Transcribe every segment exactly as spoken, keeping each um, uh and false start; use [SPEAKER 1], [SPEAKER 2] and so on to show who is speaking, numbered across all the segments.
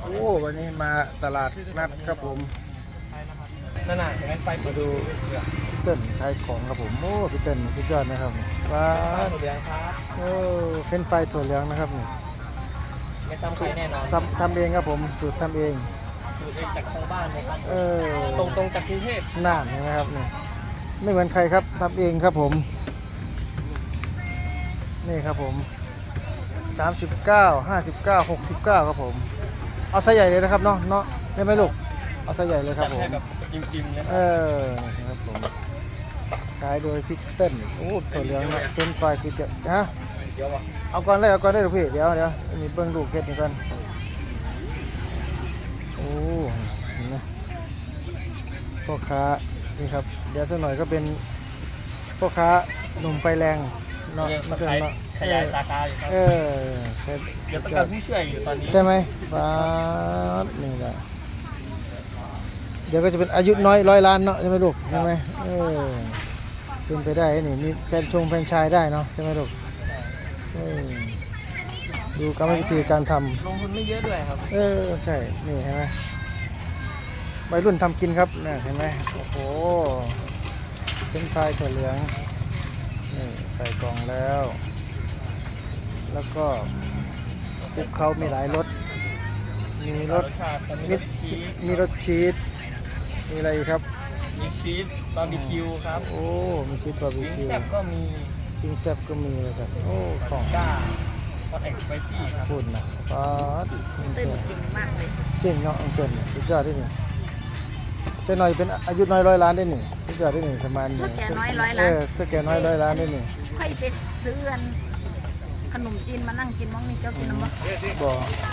[SPEAKER 1] โอ้วันนี้มาตลาดนัดครับผม
[SPEAKER 2] นั่นน่ะเห็นไหมไฟมาดู
[SPEAKER 1] พี่เติ้ลขายของครับผมโอ้พี่เติ้ลสุดยอดนะครับว้า
[SPEAKER 2] ถั่วเหลืองครับ
[SPEAKER 1] โอ้เฟ้นไฟถั่วเหลืองนะครับนี่
[SPEAKER 2] ไม่ซ้ำใครแน่นอน
[SPEAKER 1] ทำเองครับผมสูตรทำเอง
[SPEAKER 2] สูตรเองจากทางบ้านเลยครับ
[SPEAKER 1] เออ
[SPEAKER 2] ตรงตรงจากกรุงเทพ
[SPEAKER 1] น่านใช่ไหมครับนี่ไม่เหมือนใครครับทำเองครับผมนี่ครับผมสามสิบเก้า ห้าสิบเก้า หกสิบเก้าครับผมเอาไซส์ใหญ่เลยนะครับเนาะเนาะใช่ไหมลูกเอาไซส์ใหญ่เลยครับผม
[SPEAKER 2] จิ้มๆนะ
[SPEAKER 1] เออนะครับผมขายโดยพี่เติ้ลโอ้ถั่วเหลืองเป็นไฟคือจะฮะ
[SPEAKER 2] เดี๋ยววะ
[SPEAKER 1] เอาก่อนเลยเอาก่อนได้หรือพี่เดี๋ยวเดี๋ยวมีเบิ้งลูกเก็ดนี่ก่อนโอ้เห็นไหมพ่อค้านี่ครับเดี๋ยวสักหน่อยก็เป็นพ่อค้าหนุ่มไฟแรงเนาะมาเกินเนาะ
[SPEAKER 2] ขยายสาขาอยู่ครับ
[SPEAKER 1] เออ
[SPEAKER 2] เดี๋ยวต้องการผู้ช่วยอยู่ตอนนี้
[SPEAKER 1] ใช่ไหมฟ้านี่แหละเดี๋ยวก็จะเป็นอายุน้อยร้อยล้านเนาะใช่ไหมลูกใช่ไหมเออเป็นไปได้นี่มีแฟนชงแฟนชายได้เนาะใช่ไหมลูกดูกรรมวิธีการทำ
[SPEAKER 2] ลงทุนไม่เยอะด้วยครับ
[SPEAKER 1] เออใช่นี่เห็นไหมวัยรุ่นทำกินครับนี่เห็นไหมโอ้โหเป็นไฟถั่วเหลืองนี่ใส่กล่องแล้วแล้วก็คลุกเขามีหลายรสมีรสมีมีรสชีสมีอะไรครับ
[SPEAKER 2] มีชีสบาร์บีคิวครับ
[SPEAKER 1] โอ้มีชีสบาร์บีคิว
[SPEAKER 2] แซ่บก็มี
[SPEAKER 1] ปิ้งแซ่บก็มีเลยจ้ะโอ้ของ
[SPEAKER 2] ก้าคอนแทคสไปซี่ครับ
[SPEAKER 1] คุณนะป๊าด
[SPEAKER 3] เต้นเก่งมากเลย
[SPEAKER 1] เก่งเนาะอังเกิลสุดยอดที่นี่เจ้าหน่อยเป็นอายุน้อยร้อยล้านได้หนึ่งสุดยอดได้หนึ่งประมาณนี้
[SPEAKER 3] ถ้าแกน้อยร้อยล้าน
[SPEAKER 1] เออถ้าแกน้อยร้อยล้านได้หนึ่ง
[SPEAKER 3] ค่อยไปซื้อขนมจีนมานั่งกินมั้งนี่เจ้ากินน้ำบ่
[SPEAKER 1] บ่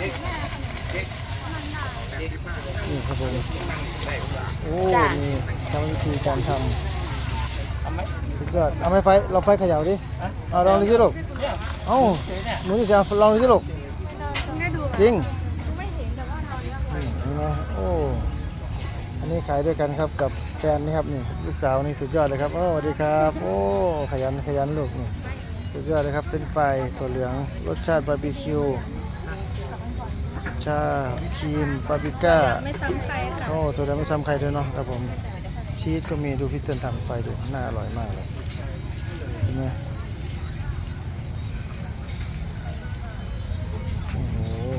[SPEAKER 1] นี่ครับผมโอ้นี่ทำวิธีการทำสุดยอดเอาไม้ไฟเราไฟเขย่าดิเอาลองดูสิลูกเอ้าหนูจะลองดูสิลูกจริงไม่เห็นแต่ว่าตอนนี้เห็นไหมโอ้อันนี้ขายด้วยกันครับกับแฟนนี่ครับนี่ลูกสาวนี่สุดยอดเลยครับโอ้สวัสดีครับโอ้ขยันขยันลูกนี่สุดยอดเลยครับเป็นไฟถั่วเหลืองรสชาติบาร์บีคิวชาครีมปาปริก้า
[SPEAKER 3] ไม่ซ้ำใครค่ะ
[SPEAKER 1] โอ้ตัวเดียวไม่ซ้ำใครด้วยเนาะครับผมชีสก็มีดูพี่เติ้ลทำไฟดูน่าอร่อยมากเลยเห็นไหมโอ้โห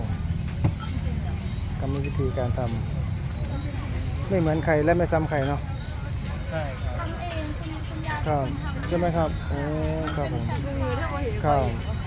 [SPEAKER 1] กรรมวิธีการทำไม่เหมือนใครและไม่ซ้ำใครเนาะ
[SPEAKER 2] ใช่ครับ
[SPEAKER 3] ทำเองคุณคุณยาย
[SPEAKER 1] ครับใช่ไหมครับโอ้ครับผมครับ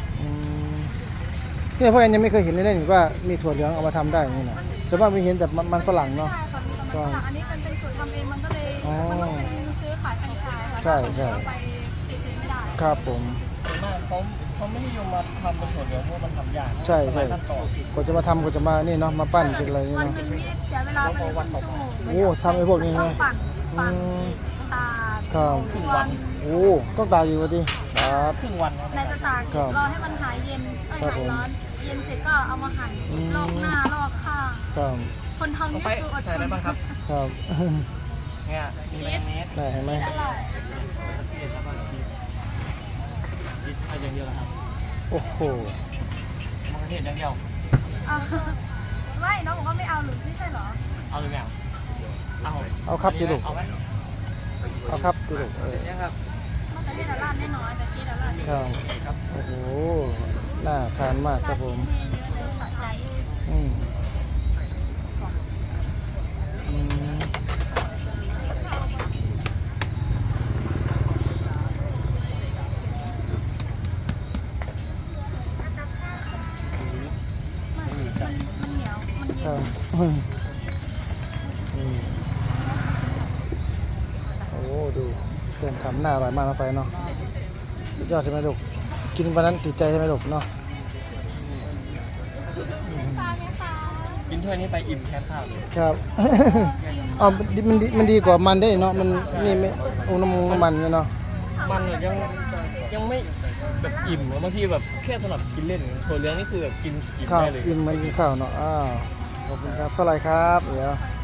[SPEAKER 1] เนี่ยพ่อแอนยังไม่เคยเห็นเลยนะว่ามีถั่วเหลืองเอามาทำได้อย่างนี้นะส่วนมากมีเห็นแต่มันฝรั่งเนาะ
[SPEAKER 3] ก็อันนี้เป็นเป็นสูตรทำเองมันก็เลยมันต้องเป็นซื้อขายแฟรนไชส์ค่ะ
[SPEAKER 1] ใช่ใช่
[SPEAKER 3] ไปเฉยๆไม่ได้
[SPEAKER 1] ครับผม
[SPEAKER 2] ส่วนมากเขาเขาไม่นิยมมาทำเป็นถั่วเหลืองเพราะมันทำยาก
[SPEAKER 1] ใช่ใช่กว่าจะมาทำกว่าจะมานี่เนาะมาปั้นเป็นอะไรนี่
[SPEAKER 3] วัน
[SPEAKER 1] เนาะ
[SPEAKER 3] หนึ่งนี่เสียเวลาไปเลยครึ่งชั่วโมง
[SPEAKER 1] โอ้ทำไอ้พวกนี้
[SPEAKER 3] ต้อ
[SPEAKER 1] นะ
[SPEAKER 3] งปั่นปั่นตาก
[SPEAKER 1] ครับ
[SPEAKER 2] ครึ่งวัน
[SPEAKER 1] โอ้ต้องตากอยู่วะดิตาก
[SPEAKER 2] ครึ่งวัน
[SPEAKER 3] ในจะตากรอให้มันหายเย็นเอ้ยหายร้อนเย็นเสร็จก็เอามาหั่นลอกหน้าลอกข้าง
[SPEAKER 1] ครับ
[SPEAKER 3] คนทำนี่คืออดทน
[SPEAKER 2] ใส่อะไรบ้างครับ
[SPEAKER 1] ครับ
[SPEAKER 2] เนี่ยมีแมเนส
[SPEAKER 1] ได้เห็นไหม
[SPEAKER 2] ชีสอะไรอย่างเดียวครับ
[SPEAKER 1] โอ้โห
[SPEAKER 2] มะเขือเทศอย่างเดียว
[SPEAKER 3] ไม่น้องบอกว่าไม่เอาหรือไม่ใช่เหรอ
[SPEAKER 2] เอาหรือไม่เอาเอา
[SPEAKER 1] เอาครับดิลูก
[SPEAKER 2] เอาไหม
[SPEAKER 1] เอาครับดิลูกเออ
[SPEAKER 2] เนี่ยครับ
[SPEAKER 3] มะเขือเทศราดแน่นอนแต่ชีสราดเยอะ
[SPEAKER 1] ครับโอ้โหน่าทานมากครับผมอืมอืม
[SPEAKER 3] มันเหนียวมันเย็น
[SPEAKER 1] โอ้ดูเพื่อนทำหน้าอร่อยมากนะไฟเนาะสุดยอดใช่ไหมลูกกินวันนั้นติดใจใช่ไหมลูกเนาะ
[SPEAKER 2] กินถ้วยนี้ไปอิ่มแค่ข้าวเลย
[SPEAKER 1] ครับอ๋อมันดีมันดีกว่ามันได้เนาะมันนี่ไม่อุณหภูมิมันเนาะ
[SPEAKER 2] มันยังยังไม่แบบอิ่มบางทีแบบแค่สำหรับกินเล่นถั่วเหลืองนี่คือแบบกินอิ่มได้เลย
[SPEAKER 1] อิ่มเหมือนกินข้าวเนาะอ้าวขอบคุณครับเท่าไหร่ครับเดี๋ยว